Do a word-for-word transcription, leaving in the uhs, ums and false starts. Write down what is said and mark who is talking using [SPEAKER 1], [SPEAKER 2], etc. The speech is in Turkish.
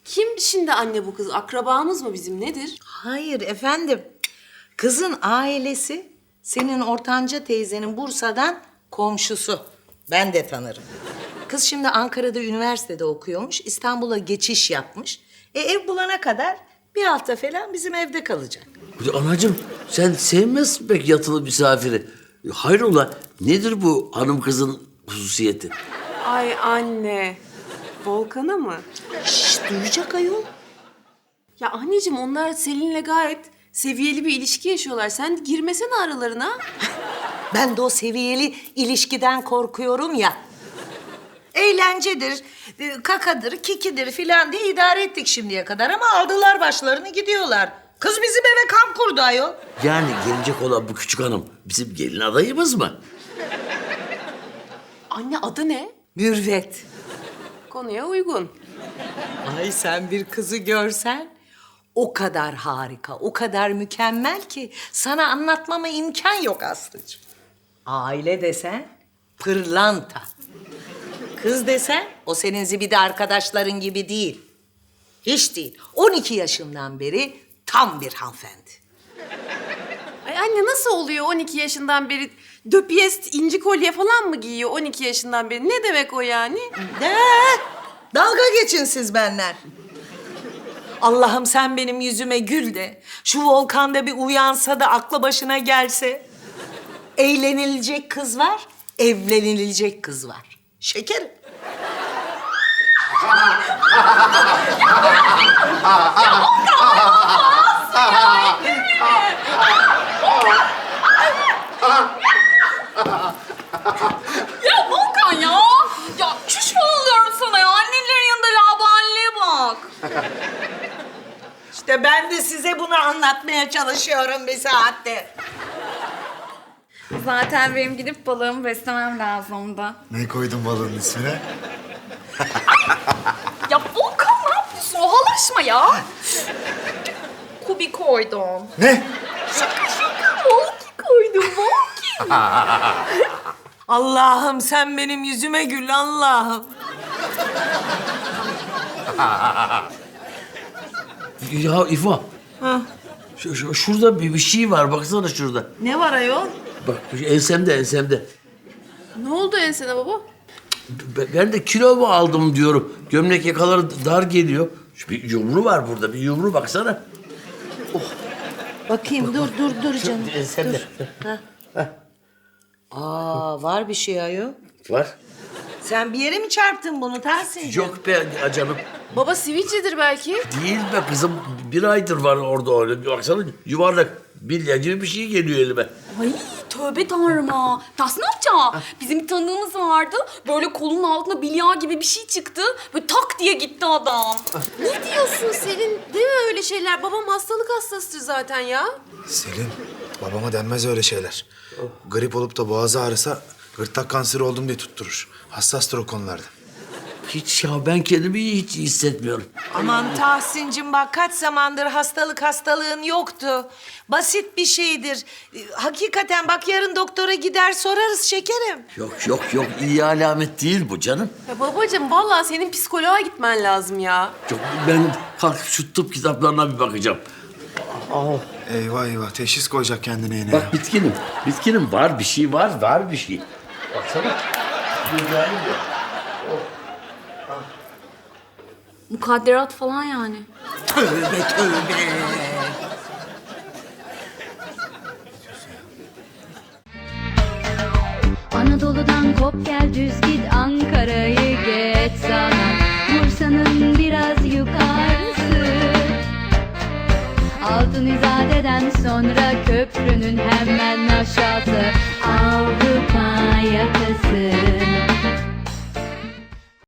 [SPEAKER 1] Kim şimdi anne bu kız? Akrabamız mı bizim, nedir?
[SPEAKER 2] Hayır efendim. Kızın ailesi senin ortanca teyzenin Bursa'dan komşusu. Ben de tanırım. Kız şimdi Ankara'da üniversitede okuyormuş. İstanbul'a geçiş yapmış. E ev bulana kadar bir hafta falan bizim evde kalacak.
[SPEAKER 3] Anacığım sen sevmezsin pek yatılı misafiri. Hayrola nedir bu hanım kızın hususiyeti?
[SPEAKER 1] Ay anne. Volkan'a mı?
[SPEAKER 2] Şşş duyacak ayol.
[SPEAKER 1] Ya anneciğim onlar Selin'le gayet seviyeli bir ilişki yaşıyorlar. Sen girmesene aralarına.
[SPEAKER 2] Ben de o seviyeli ilişkiden korkuyorum ya. Eğlencedir, e, kakadır, kikidir filan diye idare ettik şimdiye kadar ama aldılar başlarını gidiyorlar. Kız bizim eve kamp kurdu ayol.
[SPEAKER 3] Yani gelecek olan bu küçük hanım bizim gelin adayımız mı?
[SPEAKER 1] Anne adı ne?
[SPEAKER 2] Mürvet.
[SPEAKER 1] Konuya uygun.
[SPEAKER 2] Ay sen bir kızı görsen o kadar harika, o kadar mükemmel ki sana anlatmama imkan yok Aslı'cığım. Aile desen pırlanta. Kız desen o senin zibidi arkadaşların gibi değil. Hiç değil. on iki yaşından beri tam bir hanımefendi.
[SPEAKER 1] Ay anne nasıl oluyor on iki yaşından beri döpiyest inci kolye falan mı giyiyor on iki yaşından beri? Ne demek o yani?
[SPEAKER 2] De, dalga geçin siz benden. Allah'ım sen benim yüzüme gül de şu Volkan'da bir uyansa da aklı başına gelse. Eğlenilecek kız var, evlenilecek kız var. Şekerim.
[SPEAKER 4] Ya Volkan ya! Ya çüş oluyorum sana ya. Annelerin yanında labaneliğe bak.
[SPEAKER 2] İşte ben de size bunu anlatmaya çalışıyorum bir saattir.
[SPEAKER 4] Zaten benim gidip balığımı beslemem lazımdı.
[SPEAKER 5] Ne koydun balığın ismine?
[SPEAKER 4] Ya Volkan ne yapıyorsun? Ohalaşma ya. Kubi koydum.
[SPEAKER 5] Ne?
[SPEAKER 4] Şaka şaka. Volki koydum. Volki.
[SPEAKER 2] Allah'ım sen benim yüzüme gül Allah'ım.
[SPEAKER 3] Ya İfo. Şu, şu- şurada bir, bir şey var baksana şurada.
[SPEAKER 2] Ne var ayol?
[SPEAKER 3] Bak ensemde ensemde.
[SPEAKER 1] Ne oldu ensene baba?
[SPEAKER 3] Ben ben de kilo mu aldım diyorum. Gömlek yakaları dar geliyor. Şu bir yumru var burada. Bir yumru baksana.
[SPEAKER 2] Bakayım dur dur dur canım.
[SPEAKER 3] Ensemde.
[SPEAKER 2] Aa var bir şey ayol.
[SPEAKER 3] Var.
[SPEAKER 2] Sen bir yere mi çarptın bunu Tahsin?
[SPEAKER 3] Yok be canım.
[SPEAKER 1] Baba sivilcedir belki.
[SPEAKER 3] Değil be kızım. Bir aydır var orada öyle. Baksana yuvarlak bilye gibi bir şey geliyor elime.
[SPEAKER 4] Ay tövbe tanrıma. Tas ne yapacağım? Bizim bir tanıdığımız vardı. Böyle kolunun altında bilya gibi bir şey çıktı. Böyle tak diye gitti adam.
[SPEAKER 1] Ne diyorsun Selin? Deme öyle şeyler. Babam hastalık hastasıdır zaten ya.
[SPEAKER 5] Selin, babama denmez öyle şeyler. Grip olup da boğazı ağrısa gırtlak kanseri oldum diye tutturur. Hassastır o konularda.
[SPEAKER 3] Hiç ya ben kendimi hiç iyi hissetmiyorum.
[SPEAKER 2] Aman Tahsin'cim bak kaç zamandır hastalık hastalığın yoktu. Basit bir şeydir. Ee, Hakikaten bak yarın doktora gider sorarız şekerim.
[SPEAKER 3] Yok yok yok iyi alamet değil bu canım.
[SPEAKER 1] Ya babacığım vallahi senin psikoloğa gitmen lazım ya.
[SPEAKER 3] Yok, ben kalkıp şu tıp kitaplarına bir bakacağım.
[SPEAKER 5] Eyvah eyvah, teşhis koyacak kendine yine ya.
[SPEAKER 3] Bak bitkinim. Bitkinim var bir şey var var bir şey. Baksana. Güzel ya.
[SPEAKER 4] Mukadderat falan yani.
[SPEAKER 2] Tövbe tövbe.
[SPEAKER 6] Anadolu'dan kop gel düz git Ankara'yı geç sana Bursa'nın biraz yukarısı Altın İzade'den sonra köprünün hemen aşağısı Avrupa yakası